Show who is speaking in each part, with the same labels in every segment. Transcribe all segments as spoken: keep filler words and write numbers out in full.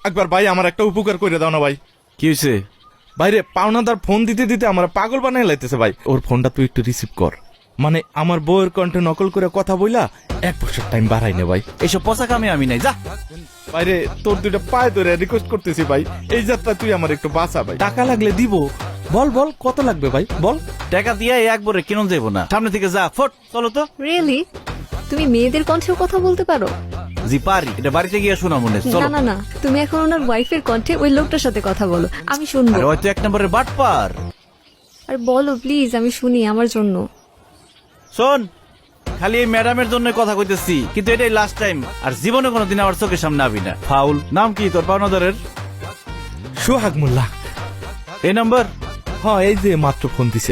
Speaker 1: একবার ভাই আমার একটা উপকার করে দাও না ভাই।
Speaker 2: কি হয়েছে?
Speaker 1: ভাইরে পাওনাদার ফোন দিতে দিতে আমার পাগল বানাই লাইতেছে ভাই। ওর ফোনটা তুই একটু রিসিভ কর। মানে আমার বউয়ের কণ্ঠে নকল করে কথা বইলা এক বছর টাইম বাড়াই নে ভাই।
Speaker 2: এইসব পচা কামে আমি নাই, যা।
Speaker 1: ভাইরে তোর দুইটা পায়ে ধরে রিকোয়েস্ট করতেছি ভাই, এই যাত্রা তুই আমার একটু বাঁচা ভাই। টাকা লাগলে দিব, বল বল কত লাগবে ভাই বল।
Speaker 2: টাকা দিয়ে একবারে কেন যাবো না, সামনে থেকে যা, ফট চলো তো।
Speaker 3: রিয়েলি? তুমি মেয়েদের কণ্ঠেও কথা বলতে পারো?
Speaker 2: জি পারি, এটা বাড়িতে গিয়ে শোনা মনে।
Speaker 3: না
Speaker 2: চলো।
Speaker 3: না না, তুমি এখন ওনার ওয়াইফের কণ্ঠে ওই লোকটার সাথে কথা বলো, আমি শুনবো।
Speaker 2: আরে হয়তো এক নম্বরের বাটপার।
Speaker 3: আর বলো প্লিজ, আমি শুনি আমার জন্য।
Speaker 2: শোন, খালি এই ম্যাডামের জন্য কথা কইতেছি, কিন্তু এটাই লাস্ট টাইম। আর জীবনে কোনোদিন আমার চোখের সামনে আবি না। ফাউল। নাম কি তোর পাওনাদারের?
Speaker 1: সোহাগ মোল্লা।
Speaker 2: এই নাম্বার?
Speaker 1: হ্যাঁ, এই যে মাত্র ফোন দিছে।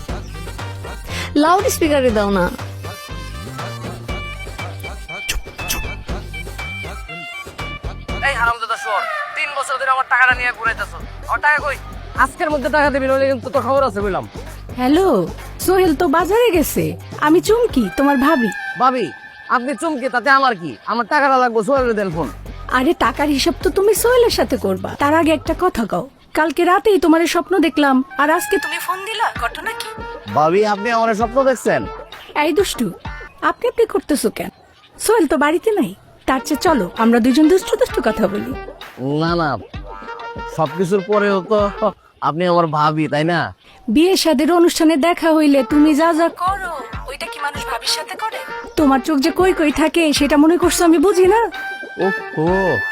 Speaker 3: লাউড স্পিকারে দাও না।
Speaker 4: এই হারামজাদা শোর, তিন বছর ধরে আমার টাকাটা নিয়ে ঘুরাইতেছ। আমার টাকা কই? আজকের মধ্যে টাকা দিবি, নইলে কিন্তু তোর খবর আছে বললাম।
Speaker 5: হ্যালো, সোহেল তো বাজারে গেছে, আমি চুমকি তোমার ভাবি।
Speaker 4: ভাবি, আপনি চমকে তাতে আমার কি? আমার টাকাটা লাগবো, সোহেলের দেন ফোন।
Speaker 5: আরে টাকার হিসাব তো তুমি সোহেলের সাথে করবা, তার আগে একটা কথা কও। কালকে রাতেই তোমার স্বপ্ন দেখলাম, আর আজকে তুমি ফোন দিলা, ঘটনা কি?
Speaker 4: ভাবি, আপনি আমার স্বপ্ন দেখছেন?
Speaker 5: এই দুষ্টু, আপনি আপনি করতেছো কেন? সোহেল তো বাড়িতে নাই, তার চেয়ে চলো আমরা দুজন দুষ্টু দুষ্টু কথা বলি।
Speaker 4: না না, সবকিছুর পরেও তো আপনি আমার ভাবি, তাই না?
Speaker 5: বিয়ে শাদের অনুষ্ঠানে দেখা হইলে তুমি যা যা করো, ওইটা কি মানুষ ভাবির সাথে করে? তোমার চোখ যে কই কই থাকে সেটা মনে করছো আমি বুঝি না?
Speaker 4: ও,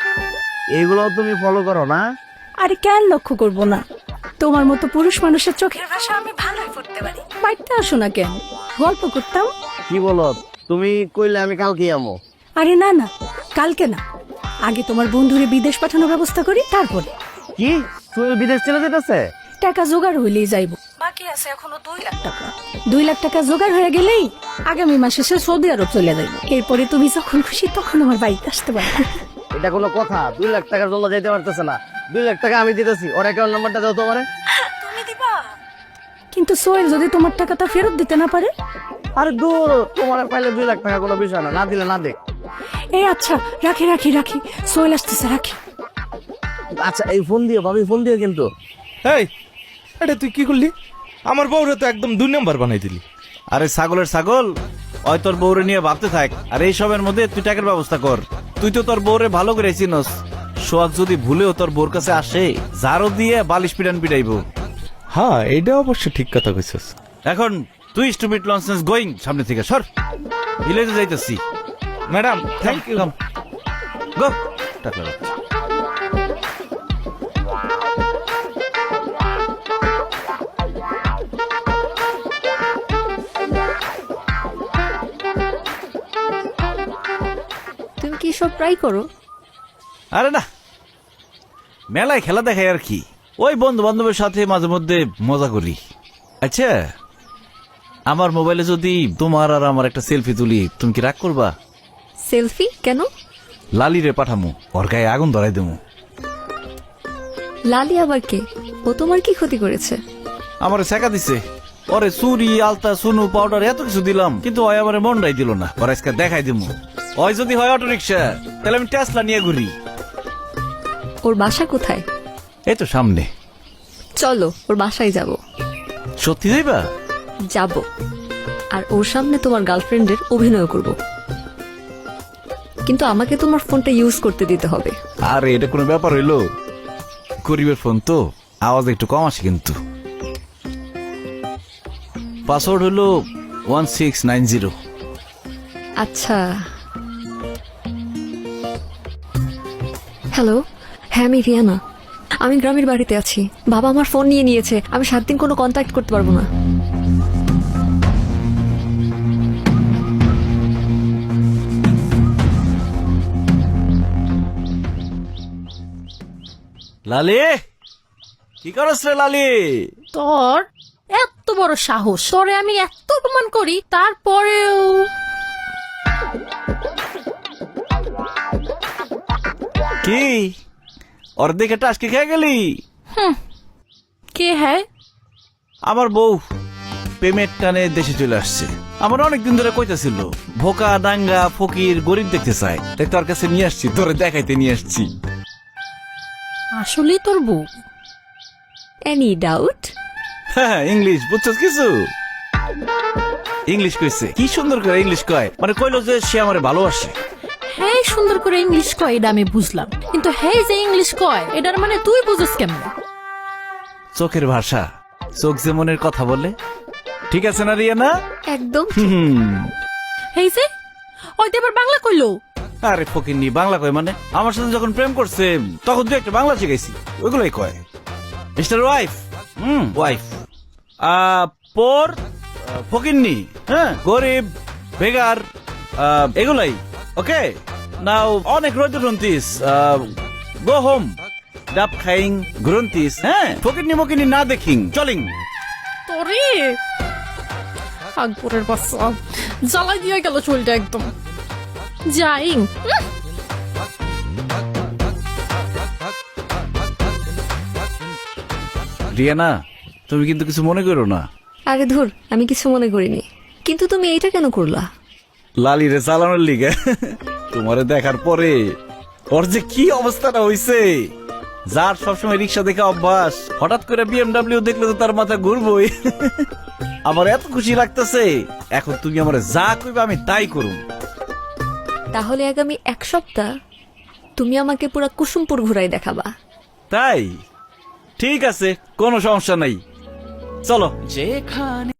Speaker 4: এইগুলো তুমি ফলো করো না?
Speaker 5: আরে কেন লক্ষ্য করবো না? তোমার মতো পুরুষ মানুষের চোখের ভাষা আমি ভালোই পড়তে পারি। বাড়িতে আসো না কেন, গল্প করতাম।
Speaker 4: কি বলো তুমি? কইলে আমি কালকে আমো।
Speaker 5: আরে না না, কালকে না, আগে তোমার বন্ধুরে বিদেশ পাঠানোর ব্যবস্থা করি, তারপরে।
Speaker 4: কি সোহেল বিদেশ চলে যেতেছে?
Speaker 5: টাকা জোগাড় হইলেই যাইব, বাকি আছে এখনো দুই লাখ টাকা। দুই লাখ টাকা জোগাড় হয়ে গেলেই আগামী মাসে সে সৌদি আরব চলে যাইব। এরপরে তুমি যখন খুশি তখন আমার বাড়িতে আসতে পারবে।
Speaker 4: এটা কোনো কথা? দুই লাখ টাকার জন্য যাইতে পারতেছে না। দুই লাখ টাকা আমি দিতেছি, ওর অ্যাকাউন্ট নাম্বারটা দাও তোমারে।
Speaker 5: তুমি দিবা? কিন্তু সোহেল যদি তোমার টাকাটা ফেরত দিতে না পারে?
Speaker 4: আরে দূর, তোমার পাইলে দুই লাখ টাকা কোনো বিষয় না, না দিলে না দেখ।
Speaker 5: এই আচ্ছা, রাখি রাখি রাখি, সোহেল আসতেছে, রাখি।
Speaker 4: আচ্ছা, এই ফোন দিও ভাবি, ফোন দিও কিন্তু।
Speaker 1: এই এটা তুই কি করলি? আমার বউরে তো একদম দুই নাম্বার বানাই দিলি।
Speaker 2: আরে ছাগলের ছাগল, ওই তোর বউরে নিয়ে ভাবতে থাক, আর এই সবের মধ্যে তুই টাকার ব্যবস্থা কর। তুই তো তোর বউরে ভালো করে চিনস। সোহাগ যদি ভুলেও তোর বউর কাছে আসে, জারো দিয়ে বালিশ পিটান পিটাইব।
Speaker 1: হ্যাঁ, এটা অবশ্য ঠিক কথা কইছস।
Speaker 2: এখন তুই স্টুপিড লনসেন্স গোয়িং, সামনে থেকে সর। ভিলেজে যাইতেছি।
Speaker 1: Madam thank you.
Speaker 2: গো টাকা।
Speaker 3: তুমি কি সব ট্রাই করো?
Speaker 2: আরে না, মেলায় খেলা দেখাই আর কি। ওই বন্ধু বান্ধবের সাথে মাঝে মধ্যে মজা করি। আচ্ছা, আমার মোবাইলে যদি তোমার আর আমার একটা সেলফি তুলি, তুমি কি রাগ করবা?
Speaker 3: সেলফি কেন?
Speaker 2: লালি রে পাঠামু, ওর গায়ে আগুন ধরাই দেবো।
Speaker 3: লালি আবার কে? ও তোমার কি ক্ষতি করেছে?
Speaker 2: আমার শেখা দিছে। ওরে চুরি, আলতা, সুনু, পাউডার এত কিছু দিলাম, কিন্তু ওই আমার মনটাই দিল না। ওর আজকে দেখাই দেবো। ওই যদি হয় অটো রিক্সা, তাহলে আমি টেসলা নিয়ে ঘুরি।
Speaker 3: ওর বাসা কোথায়?
Speaker 2: এই তো সামনে।
Speaker 3: চলো ওর বাসায় যাব।
Speaker 2: সত্যি যাইবা?
Speaker 3: যাব, আর ওর সামনে তোমার গার্লফ্রেন্ডের অভিনয় করব, কিন্তু আমাকে তোমার ফোনটা ইউজ করতে দিতে হবে।
Speaker 2: আরে এটা কোনো ব্যাপার হইলো? গরিবের ফোন তো, আওয়াজ একটু কম আসে কিন্তু। পাসওয়ার্ড হলো ওয়ান সিক্স নাইন জিরো।
Speaker 3: আচ্ছা। হ্যালো, হ্যাঁ আমি রিয়ানা। আমি গ্রামের বাড়িতে আছি। বাবা আমার ফোন নিয়ে নিয়েছে, আমি সাত দিন কোনো কন্ট্যাক্ট করতে পারবো না।
Speaker 2: লালি, কি করছ রে লালি?
Speaker 6: তোর এত বড় সাহস, তোরে আমি এত অপমান করি, তারপরেও
Speaker 2: কি ওর দেখে টাসকে খেয়ে গেলি?
Speaker 6: কে হ্যাঁ?
Speaker 2: আমার বউ পেমেন্ট টানে দেশে চলে আসছে। আমার অনেকদিন ধরে কইতাছিল ভোকা দাঙ্গা ফকির গরিব দেখতে চায়, তাই তোর কাছে নিয়ে আসছি, তোরে দেখাইতে নিয়ে আসছি।
Speaker 6: আসলেই তোর বউ?
Speaker 3: Any doubt?
Speaker 2: হ্যাঁ, ইংলিশ বুঝছস কিছু? ইংলিশ কইছে, কি সুন্দর করে ইংলিশ কয়, মানে কইলো যে সে আমারে ভালোবাসে।
Speaker 6: হ্যাঁ সুন্দর করে ইংলিশ কয় এটা আমি বুঝলাম, কিন্তু হ্যাঁ যে ইংলিশ কয় এটার মানে তুই বুঝিস কেমন?
Speaker 2: চোখের ভাষা, চোখ যে মনের কথা বলে। ঠিক আছে না রিয়ানা?
Speaker 3: একদম।
Speaker 2: হুম।
Speaker 6: এই যে ওই তো এবার বাংলা কইলো।
Speaker 2: আরে ফকিন্নি, বাংলা কয় মানে? আমার সাথে যখন প্রেম করছে তখন তুই একটা বাংলা শিখাইছি, ওইগুলোই কয়। মিস্টার ওয়াইফ, হুম ওয়াইফ, পর ফকিন্নি, হ্যাঁ গরিব, বেগার, আহ, এগুলাই। ওকে নাও অনেক রোদ গ্রন্থিস, গো হোম, ডাব খাইং গ্রন্থিস, হ্যাঁ ফকিন্নি মকিন্নি না দেখিং চলিং।
Speaker 6: তোরে আকবরের বাচ্চা জ্বালাই দিয়ে গেল চুলটা একদম। যাই
Speaker 2: রিয়ানা, তুমি কিন্তু কিছু মনে করো না।
Speaker 3: আরে ধুর, আমি কিছু মনে করিনি, কিন্তু তুমি এইটা কেন করলা?
Speaker 2: লালিরে চালানোর লিগে। তোমারে দেখার পরে ওর যে কি অবস্থাটা হইছে, যার সবসময় রিক্সা দেখে অভ্যাস, হঠাৎ করে বিএমডাব্লিউ দেখলে তো তার মাথা ঘুরবই। আমার এত খুশি লাগতেছে, এখন তুমি আমার যা কইবে আমি তাই করুম।
Speaker 3: তাহলে আগামী এক সপ্তাহ তুমি আমাকে পুরা কুসুমপুর ঘুরাই দেখাবা।
Speaker 2: তাই ঠিক আছে, কোনো সমস্যা নাই, চলো। যেখানে